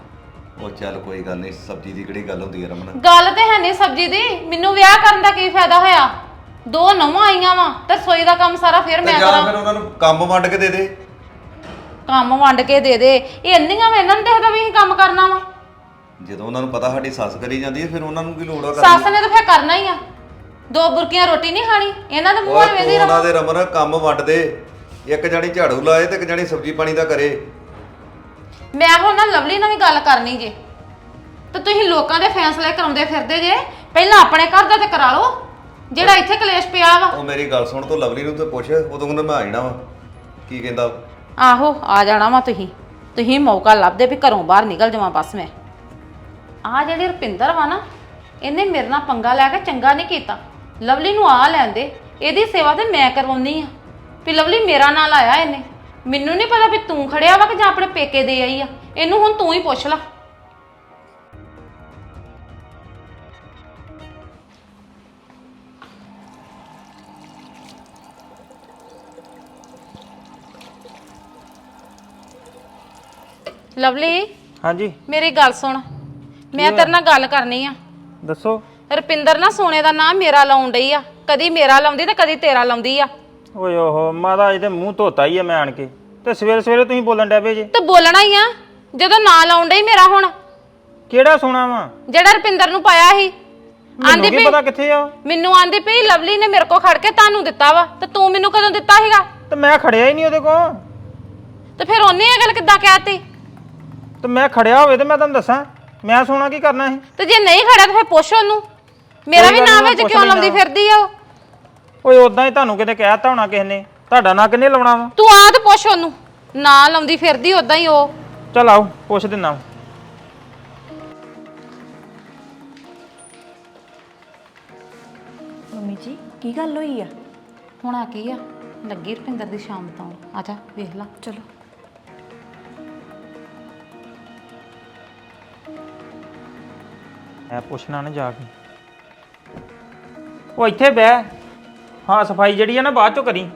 Speaker 5: ਉਹ ਚੱਲ ਕੋਈ ਗੱਲ ਨਹੀਂ, ਸਬਜ਼ੀ ਦੀ ਕਿਹੜੀ ਗੱਲ ਹੁੰਦੀ ਹੈ ਰਮਨ।
Speaker 2: ਗੱਲ ਤੇ ਹੈ ਨਹੀਂ ਸਬਜ਼ੀ ਦੀ, ਮੈਨੂੰ ਵਿਆਹ ਕਰਨ ਦਾ ਕੀ ਫਾਇਦਾ ਹੋਇਆ? ਦੋ ਨੌਵਾਂ ਆਈਆਂ ਵਾ ਤੇ ਰਸੋਈ ਦਾ ਕੰਮ ਸਾਰਾ ਫਿਰ
Speaker 5: ਤੇ
Speaker 2: ਮੈਂ
Speaker 5: ਜਾਂ
Speaker 2: ਕਰਾਂ।
Speaker 5: ਫਿਰ ਉਹਨਾਂ ਨੂੰ ਕੰਮ ਵੰਡ ਕੇ ਦੇ ਦੇ।
Speaker 2: ਕੰਮ ਵੰਡ ਕੇ ਦੇ ਦੇ, ਇਹ ਇੰਨੀਆਂ ਵਾ, ਇਹਨਾਂ ਨੂੰ ਦੇਖਦਾ ਵੀ ਅਸੀਂ ਕੰਮ ਕਰਨਾ ਵਾ।
Speaker 5: ਜਦੋਂ ਉਹਨਾਂ ਨੂੰ ਪਤਾ ਸਾਡੀ ਸੱਸ ਕਰੀ ਜਾਂਦੀ ਹੈ ਫਿਰ ਉਹਨਾਂ ਨੂੰ ਕੀ ਲੋੜ ਆ
Speaker 2: ਸੱਸ ਨੇ ਤਾਂ ਫਿਰ ਕਰਨਾ ਹੀ ਆ, ਦੋ ਬੁਰਕੀਆਂ ਰੋਟੀ ਨਹੀਂ ਖਾਣੀ, ਇਹਨਾਂ ਦੇ ਮੂੰਹ
Speaker 5: ਓਏ
Speaker 2: ਵੱਲ ਵੇਖਦੀ
Speaker 5: ਤੂੰ
Speaker 2: ਰਹਾਂ।
Speaker 5: ਉਹਨਾਂ ਦੇ ਰਮਨ ਕੰਮ ਵੰਡ ਦੇ, ਇੱਕ ਜਣੀ ਝਾੜੂ ਲਾਏ ਤੇ ਇੱਕ ਜਣੀ ਸਬਜ਼ੀ ਪਾਣੀ ਦਾ ਕਰੇ।
Speaker 2: ਮੈਂ ਹੁਣ ਨਾ ਲਵਲੀ ਨਾਲ ਵੀ ਗੱਲ ਕਰਨੀ ਜੇ, ਤੇ ਤੁਸੀਂ ਲੋਕਾਂ ਦੇ ਫੈਸਲੇ ਕਰਾਉਂਦੇ ਫਿਰਦੇ ਜੇ, ਪਹਿਲਾਂ ਆਪਣੇ ਘਰ ਦਾ ਤੇ ਕਰਾ ਲਓ ਜਿਹੜਾ ਇੱਥੇ ਕਲੇਸ਼ ਪਿਆ ਵਾ।
Speaker 5: ਉਹ ਮੇਰੀ ਗੱਲ ਸੁਣ, ਤੂੰ ਲਵਲੀ ਨੂੰ ਤੇ ਪੁੱਛ, ਉਦੋਂ ਕਹਿੰਦਾ ਮੈਂ ਆ ਜਾਣਾ ਵਾ, ਕੀ ਕਹਿੰਦਾ?
Speaker 2: ਆਹੋ ਆ ਜਾਣਾ ਵਾ ਤੁਸੀਂ ਤੁਸੀਂ ਮੌਕਾ ਲੱਭਦੇ ਵੀ ਘਰੋਂ ਬਾਹਰ ਨਿਕਲ ਜਾਵਾਂ ਬਸ ਮੈਂ। ਆ ਜਿਹੜੀ ਰੁਪਿੰਦਰ ਵਾ ਨਾ, ਇਹਨੇ ਮੇਰੇ ਨਾਲ ਪੰਗਾ ਲੈ ਕੇ ਚੰਗਾ ਨਹੀਂ ਕੀਤਾ। ਲਵਲੀ ਨੂੰ ਆ ਲੈਂਦੇ, ਇਹਦੀ ਸੇਵਾ ਤੇ ਮੈਂ ਕਰਵਾਉਣੀ ਆ ਵੀ ਲਵਲੀ ਮੇਰਾ ਨਾਂ ਲਾਇਆ ਇਹਨੇ। ਮੈਨੂੰ ਨਹੀਂ ਪਤਾ ਵੀ ਤੂੰ ਖੜਿਆ ਵਾ ਕਿ ਜਾਂ ਆਪਣੇ ਪੇਕੇ ਦੇ ਆਈ ਆ, ਇਹਨੂੰ ਹੁਣ ਤੂੰ ਹੀ ਪੁੱਛ ਲਾ। ਲਵਲੀ
Speaker 4: ਹਾਂਜੀ
Speaker 2: ਮੇਰੀ ਗੱਲ ਸੁਣ, ਮੈਂ ਤੇਰੇ ਨਾਲ ਗੱਲ ਕਰਨੀ ਆ।
Speaker 4: ਦੱਸੋ।
Speaker 2: ਰੁਪਿੰਦਰ ਨਾ ਸੋਨੇ ਦਾ ਨਾਮ ਮੇਰਾ ਲਾਉਣ ਡਈ ਆ, ਕਦੀ ਮੇਰਾ ਲਾਉਂਦੀ ਤੇ ਕਦੀ ਤੇਰਾ ਲਾਉਂਦੀ ਆ।
Speaker 4: ਓਏ ਓਹੋ ਮਾਦਾ ਇਹਦੇ ਮੂੰਹ ਧੋਤਾ ਹੀ ਆ ਮੈਂ ਆਣ ਕੇ, ਤੇ ਸਵੇਰੇ ਸਵੇਰੇ ਤੁਸੀਂ ਬੋਲਣ ਡੈ ਪਏ ਜੇ।
Speaker 2: ਤੇ ਬੋਲਣਾ ਹੀ ਆ ਜਦੋਂ ਨਾਂ ਲਾਉਣ ਡਈ ਮੇਰਾ। ਹੁਣ
Speaker 4: ਕਿਹੜਾ ਸੋਨਾ ਵਾ?
Speaker 2: ਜਿਹੜਾ ਰੁਪਿੰਦਰ ਨੂੰ ਪਾਇਆ ਸੀ।
Speaker 4: ਮੈਨੂੰ ਕੀ ਪਤਾ ਕਿੱਥੇ ਆ?
Speaker 2: ਮੈਨੂੰ ਆਂਦੀ ਪਈ ਲਵਲੀ ਨੇ ਮੇਰੇ ਕੋ ਖੜ ਕੇ ਤੁਹਾਨੂੰ ਦਿੱਤਾ ਵਾ, ਤੇ ਤੂੰ ਮੈਨੂੰ ਕਦੋਂ ਦਿੱਤਾ ਸੀਗਾ?
Speaker 4: ਤੇ ਮੈਂ ਖੜਿਆ ਹੀ ਨਹੀਂ ਉਹਦੇ ਕੋਲ।
Speaker 2: ਤੇ ਫਿਰ ਉਹਨੇ ਇਹ ਗੱਲ ਕਿੱਦਾਂ ਕਹਿਤੀ?
Speaker 4: ਤੇ ਮੈਂ ਖੜਿਆ ਹੋਵੇ ਤੇ ਮੈਂ ਤੁਹਾਨੂੰ ਦੱਸਾਂ, ਮੈਂ ਸੋਨਾ ਕੀ ਕਰਨਾ ਸੀ?
Speaker 2: ਤੇ ਜੇ ਨਹੀਂ ਖੜਿਆ ਤਾਂ ਫਿਰ ਪੁੱਛ ਉਹਨੂੰ, ਮੇਰਾ ਵੀ ਨਾਮ ਵਿੱਚ ਕਿਉਂ ਲਾਉਂਦੀ ਫਿਰਦੀ ਆ ਉਹ?
Speaker 4: ਓਏ ਉਦਾਂ ਹੀ ਤੁਹਾਨੂੰ ਕਿਤੇ ਕਹਿਤਾ ਹੋਣਾ ਕਿਸੇ ਨੇ, ਤੁਹਾਡਾ ਨਾਂ ਕਿੰਨੇ ਲਾਉਣਾ ਵਾ?
Speaker 2: ਤੂੰ ਆ ਤੇ ਪੁੱਛ ਉਹਨੂੰ, ਨਾਂ ਲਾਉਂਦੀ ਫਿਰਦੀ ਉਦਾਂ ਹੀ ਉਹ।
Speaker 4: ਚੱਲ ਆਓ ਪੁੱਛ ਦਿੰਨਾ।
Speaker 1: ਮੰਮੀ ਜੀ ਕੀ ਗੱਲ ਹੋਈ ਆ?
Speaker 2: ਹੁਣ ਆ ਕੀ ਆ, ਲੱਗੀ ਰੁਪਿੰਦਰ ਦੀ ਸ਼ਾਮ ਬਤਾਉਣ। ਆ ਜਾ ਵੇਖ ਲਾ।
Speaker 1: ਚਲੋ
Speaker 4: ਮੈਂ ਪੁੱਛਣਾ ਨਾ ਜਾ ਕੇ। ਉਹ ਇੱਥੇ ਬਹਿ, ਹਾਂ ਸਫਾਈ ਜਿਹੜੀ ਆ ਨਾ ਬਾਅਦ ਚੋਂ ਕਰੀ।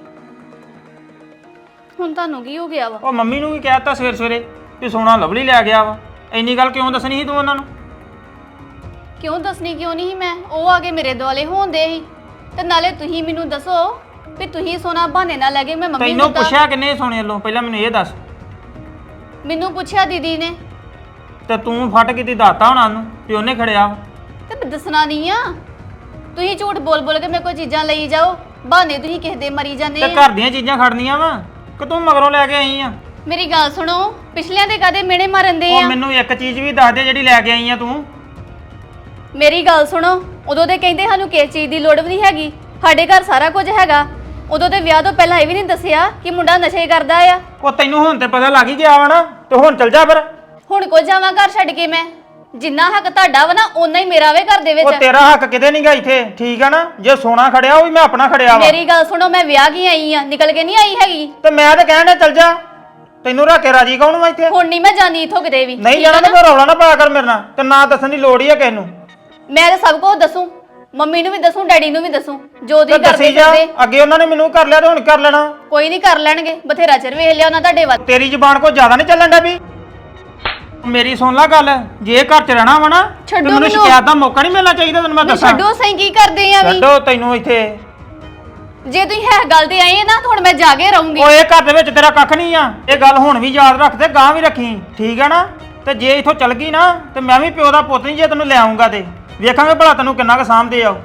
Speaker 3: ਹੁਣ ਤੁਹਾਨੂੰ ਕੀ ਹੋ ਗਿਆ ਵਾ?
Speaker 4: ਉਹ ਮੰਮੀ ਨੂੰ ਵੀ ਕਹਿਤਾ ਸਵੇਰ ਸਵੇਰੇ ਕਿ ਸੋਨਾ ਲਵਲੀ ਲੈ ਗਿਆ ਵਾ। ਇੰਨੀ ਗੱਲ ਕਿਉਂ ਦੱਸਣੀ ਸੀ ਤੂੰ ਉਹਨਾਂ ਨੂੰ?
Speaker 3: ਕਿਉਂ ਦੱਸਣੀ ਕਿਉਂ ਨਹੀਂ ਸੀ ਮੈਂ? ਉਹ ਆ ਕੇ ਮੇਰੇ ਦੁਆਲੇ ਹੋਂਦੇ ਸੀ, ਤੇ ਨਾਲੇ ਤੁਸੀਂ ਮੈਨੂੰ ਦੱਸੋ ਵੀ ਤੁਸੀਂ ਸੋਨਾ ਬਹਾਨੇ ਨਾਲ ਲੈ ਗਏ, ਮੈਂ ਮੰਮੀ ਨੂੰ
Speaker 4: ਤੈਨੂੰ
Speaker 3: ਦਿੱਤਾ।
Speaker 4: ਪੁੱਛਿਆ ਕਿੰਨੇ ਸੋਨੇ ਵੱਲੋਂ? ਪਹਿਲਾਂ ਮੈਨੂੰ ਇਹ ਦੱਸ।
Speaker 3: ਮੈਨੂੰ ਪੁੱਛਿਆ ਦੀਦੀ ਨੇ।
Speaker 4: ਤੇ ਤੂੰ ਫਟ ਕੇ ਦੀ ਦਾਤਾ ਹੋਣਾ ਨੂੰ ਵੀ ਉਹਨੇ ਖੜਿਆ ਵਾ।
Speaker 3: ਤੇ ਦੱਸਣਾ ਨਹੀਂ ਆ, ਤੁਸੀਂ ਝੂਠ ਬੋਲ ਬੋਲ ਕੇ ਮੇਰੇ ਕੋਲ ਚੀਜ਼ਾਂ ਲਈ ਜਾਓ, ਬਹਾਨੇ ਤੁਸੀਂ ਕਿਸੇ ਦੇ ਮਰੀ ਜਾਂਦੇ
Speaker 4: ਤੇ
Speaker 3: ਆ।
Speaker 4: ਘਰ ਦੀਆਂ ਚੀਜ਼ਾਂ ਖੜਨੀਆਂ ਵਾ ਕਿ ਤੂੰ ਮਗਰੋਂ ਲੈ ਕੇ ਆਈ ਆ?
Speaker 3: ਮੇਰੀ ਗੱਲ ਸੁਣੋ, ਪਿਛਲਿਆਂ ਦੇ ਕਾਦੇ ਮਿਹਣੇ ਮਾਰਨ ਦੇ
Speaker 4: ਉਹ
Speaker 3: ਆ?
Speaker 4: ਮੈਨੂੰ ਇੱਕ ਚੀਜ਼ ਵੀ ਦੱਸ ਦੇ ਜਿਹੜੀ ਲੈ ਕੇ ਆਈ ਆ ਤੂੰ।
Speaker 3: ਮੇਰੀ ਗੱਲ ਸੁਣੋ, ਉਦੋਂ ਦੇ ਕਹਿੰਦੇ ਸਾਨੂੰ ਕਿਸ ਚੀਜ਼ ਦੀ ਲੋੜ ਵੀ ਨਹੀਂ ਹੈਗੀ, ਸਾਡੇ ਘਰ ਸਾਰਾ ਕੁਝ ਹੈਗਾ। ਉਦੋਂ ਤੇ ਵਿਆਹ ਤੋਂ ਪਹਿਲਾਂ ਇਹ ਵੀ ਨਹੀਂ ਦੱਸਿਆ ਕਿ ਮੁੰਡਾ ਨਸ਼ੇ ਕਰਦਾ ਆ।
Speaker 4: ਉਹ ਤੈਨੂੰ ਹੁਣ ਤੇ ਪਤਾ ਲੱਗ ਹੀ ਗਿਆ ਵਾ ਨਾ, ਤੇ ਹੁਣ ਚੱਲ ਜਾ ਫਿਰ।
Speaker 3: ਹੁਣ ਕੋ ਜਾਵਾਂ ਘਰ ਛੱਡ ਕੇ ਮੈਂ? ਜਿੰਨਾ ਹੱਕ ਤੁਹਾਡਾ ਵਾ ਨਾ ਓਨਾ ਹੀ ਮੇਰਾ ਵੇ ਘਰ ਦੇ
Speaker 4: ਉਹ
Speaker 3: ਵਿੱਚ।
Speaker 4: ਤੇਰਾ ਹੱਕ ਕਿਤੇ ਨਹੀਂ ਗਾ ਇੱਥੇ, ਠੀਕ ਆ ਨਾ? ਜੇ ਸੋਨਾ ਖੜਿਆ ਉਹ ਵੀ ਮੈਂ ਆਪਣਾ ਖੜਿਆ ਵਾ।
Speaker 3: ਮੇਰੀ ਗੱਲ ਸੁਣੋ, ਮੈਂ ਵਿਆਹ ਕੀ ਆਈ ਆ, ਨਿਕਲ ਕੇ ਨਹੀਂ ਆਈ ਹੈਗੀ।
Speaker 4: ਤੇ ਮੈਂ ਤਾਂ ਕਹਿਣ ਡਿਆ ਚੱਲ ਜਾ, ਤੈਨੂੰ ਰੱਖ ਕੇ ਰਾਜੀ ਕੌਣ ਵਾ ਇੱਥੇ?
Speaker 3: ਹੁਣ ਨਹੀਂ ਮੈਂ ਜਾਣੀ ਇਥੋਂ ਕਿਤੇ ਵੀ।
Speaker 4: ਨਹੀਂ
Speaker 3: ਠੀਕ
Speaker 4: ਜਾਣਾ
Speaker 3: ਆ
Speaker 4: ਤਾਂ
Speaker 3: ਨਾ?
Speaker 4: ਫਿਰ ਰੌਲਾ ਨਾ ਪਾਇਆ ਕਰ ਮੇਰੇ ਨਾਲ, ਤੇ ਨਾ ਦੱਸਣ ਦੀ ਲੋੜ ਹੀ ਆ ਕਿਸੇ ਨੂੰ।
Speaker 3: ਮੈਂ ਤਾਂ ਸਭ ਕੁਝ ਦੱਸੂ, ਮੰਮੀ ਨੂੰ ਵੀ ਦੱਸੂ, ਡੈਡੀ ਨੂੰ ਵੀ ਦੱਸੂ, ਜੋ
Speaker 4: ਤੇ
Speaker 3: ਤੁਸੀਂ ਕਰਦੇ
Speaker 4: ਦੱਸੀ ਜਾ,
Speaker 3: ਕਰਦੇ।
Speaker 4: ਅੱਗੇ ਉਹਨਾਂ ਨੇ ਮੈਨੂੰ ਕਰ ਲਿਆ ਤੇ ਹੁਣ ਕਰ ਲੈਣਾ।
Speaker 3: ਕੋਈ ਨਹੀਂ ਕਰ ਲੈਣਗੇ, ਬਥੇਰਾ ਚਿਰ ਵੇਖ ਲਿਆ ਉਹਨਾਂ ਤੁਹਾਡੇ ਵੱਲ।
Speaker 4: ਤੇਰੀ ਜ਼ੁਬਾਨ ਕੋ ਜ਼ਿਆਦਾ ਨਹੀਂ ਚੱਲਣ ਡਿਆ ਵੀ। ਮੇਰੀ ਸੁਣ ਲੈ ਗੱਲ, ਜੇ ਘਰ ਚ ਰਹਿਣਾ ਵਾ ਨਾ ਤੇ
Speaker 3: ਛੱਡੋ
Speaker 4: ਮੈਨੂੰ
Speaker 3: ਮੈਨੂੰ।
Speaker 4: ਸ਼ਿਕਾਇਤ ਦਾ ਮੌਕਾ ਨਹੀਂ ਮਿਲਣਾ ਚਾਹੀਦਾ, ਤੈਨੂੰ ਮੈਂ ਦੱਸਾਂ।
Speaker 3: ਛੱਡੋ ਸਹੀ, ਕੀ ਕਰਦੇ ਆ ਵੀ?
Speaker 4: ਛੱਡੋ ਤੈਨੂੰ ਇੱਥੇ।
Speaker 3: ਜੇ ਤੁਸੀਂ ਹੈ ਗੱਲ ਤੇ ਆਏ ਨਾ ਤਾਂ ਹੁਣ ਮੈਂ ਜਾ ਕੇ ਰਹੂੰਗੀ।
Speaker 4: ਓਏ ਘਰ ਦੇ ਵਿੱਚ ਤੇਰਾ ਕੱਖ ਨਹੀਂ ਆ, ਇਹ ਗੱਲ ਹੁਣ ਵੀ ਯਾਦ ਰੱਖ ਤੇ ਗਾਂ ਵੀ ਰੱਖੀ, ਠੀਕ ਆ ਨਾ? ਤੇ ਜੇ ਇਥੋਂ ਚੱਲ ਗਈ ਨਾ ਤੇ ਮੈਂ ਵੀ ਪਿਓ ਦਾ ਪੁੱਤ ਨਹੀਂ ਜੇ ਤੈਨੂੰ ਲੈ ਆਉਂਗਾ, ਤੇ ਵੇਖਾਂਗੇ ਭਲਾ ਤੈਨੂੰ ਕਿੰਨਾ ਕੁ ਸਾਂਭਦੇ ਆ।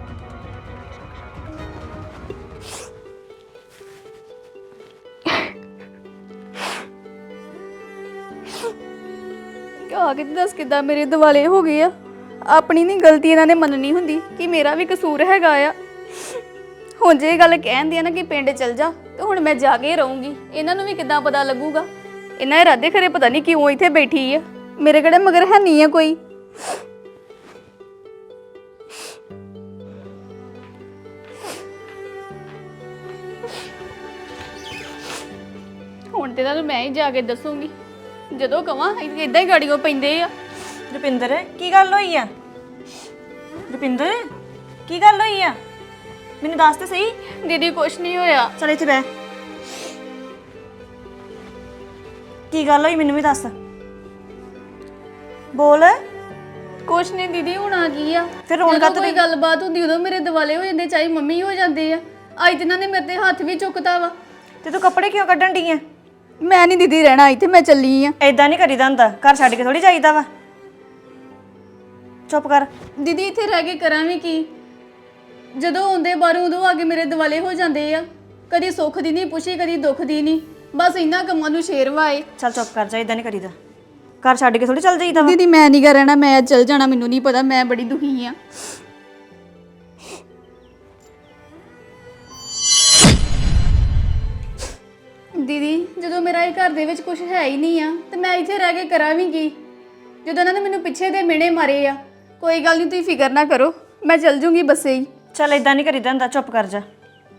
Speaker 3: ਆ ਕੇ ਦੱਸ ਕਿੱਦਾਂ ਮੇਰੇ ਦਿਵਾਲੇ ਹੋ ਗਏ ਆ। ਆਪਣੀ ਨਹੀਂ ਗਲਤੀ ਇਹਨਾਂ ਨੇ ਮੰਨਣੀ ਹੁੰਦੀ ਕਿ ਮੇਰਾ ਵੀ ਕਸੂਰ ਹੈਗਾ ਆ। ਹੁਣ ਜੇ ਇਹ ਗੱਲ ਕਹਿੰਦੀ ਆ ਨਾ ਕਿ ਪਿੰਡ ਚਲ ਜਾ, ਤੇ ਹੁਣ ਮੈਂ ਜਾ ਕੇ ਰਹੂੰਗੀ। ਇਹਨਾਂ ਨੂੰ ਵੀ ਕਿੱਦਾਂ ਪਤਾ ਲੱਗੂਗਾ? ਇਹਨਾਂ ਦੇ ਇਰਾਦੇ ਖਰੇ ਪਤਾ ਨਹੀਂ ਕਿਉਂ ਇੱਥੇ ਬੈਠੀ ਆ, ਮੇਰੇ ਕਿਹੜੇ ਮਗਰ ਹੈ ਨਹੀਂ ਆ ਕੋਈ। ਹੁਣ ਤੇ ਇਹਨਾਂ ਨੂੰ ਮੈਂ ਹੀ ਜਾ ਕੇ ਦੱਸੂਗੀ, ਜਦੋਂ ਕਵਾਂ ਇਦਾਂ ਹੀ ਗਾੜੀਆਂ ਪੈਂਦੇ ਆ।
Speaker 1: ਰੁਪਿੰਦਰ ਕੀ ਗੱਲ ਹੋਈ ਆ? ਰੁਪਿੰਦਰ ਕੀ ਗੱਲ ਹੋਈ ਆ? ਮੈਨੂੰ ਦੱਸ ਤੇ ਸਹੀ।
Speaker 3: ਦੀਦੀ ਕੁਛ ਨਹੀਂ ਹੋਇਆ।
Speaker 1: ਚਲ ਇੱਥੇ ਬਹਿ। ਕੀ ਗੱਲ ਹੋਈ ਮੈਨੂੰ ਵੀ ਦੱਸ। ਬੋਲ।
Speaker 3: ਕੁਛ ਨਹੀਂ ਦੀਦੀ ਹੁਣ ਆ ਗਈ ਆ
Speaker 1: ਫਿਰ ਰੋਣ
Speaker 3: ਜਦੋਂ
Speaker 1: ਕਾਹਤੋਂ
Speaker 3: ਕੋਈ
Speaker 1: ਡਈ?
Speaker 3: ਗੱਲਬਾਤ ਹੁੰਦੀ ਉਦੋਂ ਮੇਰੇ ਦਿਵਾਲੇ ਹੋ ਜਾਂਦੇ, ਚਾਹੇ ਮੰਮੀ ਹੋ ਜਾਂਦੇ ਆ। ਅੱਜ ਇਹਨਾਂ ਨੇ ਮੇਰੇ ਤੇ ਹੱਥ ਵੀ ਚੁੱਕਤਾ ਵਾ।
Speaker 1: ਤੇ ਤੂੰ ਕੱਪੜੇ ਕਿਉਂ ਕੱਢਣ ਡਈ ਆ?
Speaker 3: ਮੈਂ ਨਹੀਂ ਦੀਦੀ ਰਹਿਣਾ ਇੱਥੇ, ਮੈਂ ਚੱਲੀ ਆ।
Speaker 1: ਐਦਾਂ ਨਹੀਂ ਕਰੀਦਾ ਹੁੰਦਾ, ਘਰ ਛੱਡ ਕੇ ਥੋੜੀ ਜਾਈਦਾ ਵਾ। ਚੁੱਪ ਕਰ।
Speaker 3: ਦੀਦੀ ਇੱਥੇ ਰਹਿ ਕੇ ਕਰਾਂ ਵੀ ਕੀ? ਜਦੋਂ ਆਉਂਦੇ ਬਾਹਰੋਂ ਉਦੋਂ ਆ ਕੇ ਮੇਰੇ ਦਿਵਾਲੇ ਹੋ ਜਾਂਦੇ ਆ। ਕਦੀ ਸੁੱਖ ਦੀ ਨਹੀਂ ਪੁੱਛੀ, ਕਦੀ ਦੁੱਖ ਦੀ ਨਹੀਂ, ਬਸ ਇਹਨਾਂ ਕੰਮਾਂ ਨੂੰ ਸ਼ੇਰ ਵਾਏ।
Speaker 1: ਚੱਲ ਚੁੱਪ ਕਰ ਜਾ, ਐਦਾਂ ਨਹੀਂ ਕਰੀਦਾ। ਘਰ ਛੱਡ ਕੇ ਥੋੜੀ ਚੱਲ ਜਾਈਦਾ ਵਾ।
Speaker 3: ਦੀਦੀ ਮੈਂ ਨਹੀਂ ਗਾ ਰਹਿਣਾ, ਮੈਂ ਚੱਲ ਜਾਣਾ, ਮੈਨੂੰ ਨਹੀਂ ਪਤਾ, ਮੈਂ ਬੜੀ ਦੁਖੀ ਆ। ਦੀਦੀ ਜਦੋਂ ਮੇਰਾ ਇਹ ਘਰ ਦੇ ਵਿੱਚ ਕੁਝ ਹੈ ਹੀ ਨਹੀਂ ਆ ਤੇ ਮੈਂ ਇੱਥੇ ਰਹਿ ਕੇ ਕਰਾਂ ਵੀ ਕੀ? ਜਦੋਂ ਇਹਨਾਂ ਨੇ ਮੈਨੂੰ ਪਿੱਛੇ ਦੇ ਮਿਹਣੇ ਮਾਰੇ ਆ। ਕੋਈ ਗੱਲ ਨਹੀਂ, ਤੁਸੀਂ ਫਿਕਰ ਨਾ ਕਰੋ, ਮੈਂ ਚੱਲ ਜੂੰਗੀ ਬੱਸੇ ਹੀ।
Speaker 1: ਚੱਲ ਐਦਾਂ ਨਹੀਂ ਕਰੀਦਾ ਹੁੰਦਾ, ਚੁੱਪ ਕਰ ਜਾ।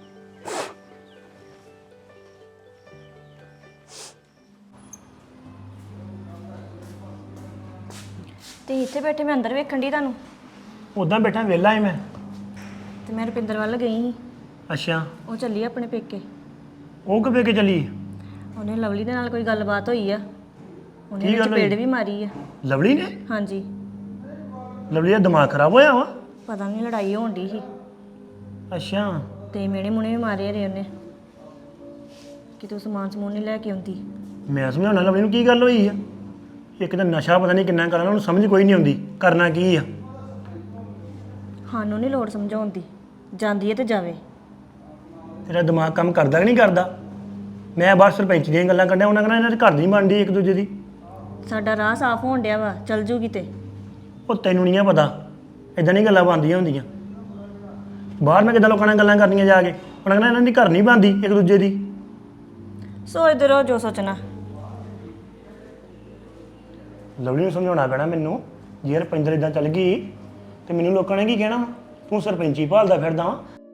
Speaker 1: ਤੇ ਇੱਥੇ ਬੈਠੇ ਮੈਂ ਅੰਦਰ ਵੇਖਣ ਦੀ ਤੁਹਾਨੂੰ।
Speaker 6: ਉਦਾਂ ਬੈਠਾ ਵਿਹਲਾ ਏ ਮੈਂ।
Speaker 1: ਤੇ ਮੈਂ ਰੁਪਿੰਦਰ ਵੱਲ ਗਈ ਸੀ,
Speaker 6: ਅੱਛਾ,
Speaker 1: ਉਹ ਚੱਲੀ ਆਪਣੇ ਪੇਕੇ।
Speaker 6: ਉਹ ਕਿਵੇਂ ਕੇ ਚਲੀ?
Speaker 1: ਉਹਨੇ ਲਵਲੀ ਦੇ ਨਾਲ ਕੋਈ ਗੱਲਬਾਤ ਹੋਈ ਆ, ਉਹਨੇ
Speaker 6: ਕੀ
Speaker 1: ਵਿੱਚ
Speaker 6: ਗੱਲ ਹੋਈ?
Speaker 1: ਪੇੜ ਵੀ ਮਾਰੀ ਆ।
Speaker 6: ਲਵਲੀ ਨੇ?
Speaker 1: ਹਾਂਜੀ,
Speaker 6: ਲਵਲੀ ਦਾ ਦਿਮਾਗ ਖਰਾਬ ਹੋਇਆ ਵਾ?
Speaker 1: ਪਤਾ ਨਹੀਂ ਲੜਾਈ ਹੋਣ ਡਈ ਸੀ
Speaker 6: ਅੱਛਾ,
Speaker 1: ਤੇ ਮੇਣੇ ਮੁਣੇ ਵੀ ਮਾਰੇ ਰੇ ਉਹਨੇ ਕਿ ਤੂੰ ਸਮਾਨ ਸਮੂਨ ਨਹੀਂ ਲੈ ਕੇ ਆਉਂਦੀ।
Speaker 6: ਮੈਂ ਸਮਝਾਉਣਾ ਲਵਲੀ ਨੂੰ ਕੀ ਗੱਲ ਹੋਈ ਆ। ਇੱਕ ਤਾਂ ਨਸ਼ਾ ਪਤਾ ਨਹੀਂ ਕਿੰਨਾ ਕਰਨਾ, ਉਹਨੂੰ ਸਮਝ ਕੋਈ ਨਹੀਂ ਆਉਂਦੀ ਕਰਨਾ ਕੀ ਆ।
Speaker 1: ਸਾਨੂੰ ਨਹੀਂ ਲੋੜ ਸਮਝਾਉਣ ਦੀ, ਜਾਂਦੀ ਹੈ ਤੇ ਜਾਵੇ।
Speaker 6: ਤੇਰਾ ਦਿਮਾਗ ਕੰਮ ਕਰਦਾ ਕਿ ਨਹੀਂ ਕਰਦਾ? ਮੈਂ ਬਾਹਰ ਸਰਪੰਚ ਦੀਆਂ ਗੱਲਾਂ ਕੱਢਿਆ, ਉਹਨਾਂ ਕਹਿੰਦਾ ਇਹਨਾਂ ਦੇ ਘਰ ਦੀ ਬਣਦੀ ਇੱਕ ਦੂਜੇ ਦੀ।
Speaker 1: ਸਾਡਾ ਰਾਹ ਸਾਫ਼ ਹੋਣ ਡਿਆ ਵਾ, ਚੱਲ ਜੂਗੀ ਤੇ।
Speaker 6: ਉਹ ਤੈਨੂੰ ਨਹੀਂ ਆ ਪਤਾ, ਇਦਾਂ ਨਹੀਂ ਗੱਲਾਂ ਬਣਦੀਆਂ ਹੁੰਦੀਆਂ। ਬਾਹਰ ਮੈਂ ਕਿੱਦਾਂ ਲੋਕਾਂ ਨਾਲ ਗੱਲਾਂ ਕਰਨੀਆਂ ਜਾ ਕੇ, ਉਹਨਾਂ ਕਹਿੰਦਾ ਇਹਨਾਂ ਦੀ ਘਰ ਨਹੀਂ ਬਣਦੀ ਇੱਕ ਦੂਜੇ ਦੀ।
Speaker 1: ਸੋਚਦੇ ਰਹੋ ਜੋ ਸੋਚਣਾ।
Speaker 6: ਲਵਲੀ ਨੂੰ ਸਮਝਾਉਣਾ ਪੈਣਾ ਮੈਨੂੰ। ਜੇ ਰੁਪਿੰਦਰ ਇਦਾਂ ਚੱਲ ਗਈ ਤੇ ਮੈਨੂੰ ਲੋਕਾਂ ਨੇ ਕੀ ਕਹਿਣਾ ਵਾ? ਤੂੰ ਸਰਪੰਚੀ ਭਾਲਦਾ ਫਿਰਦਾ ਵਾ।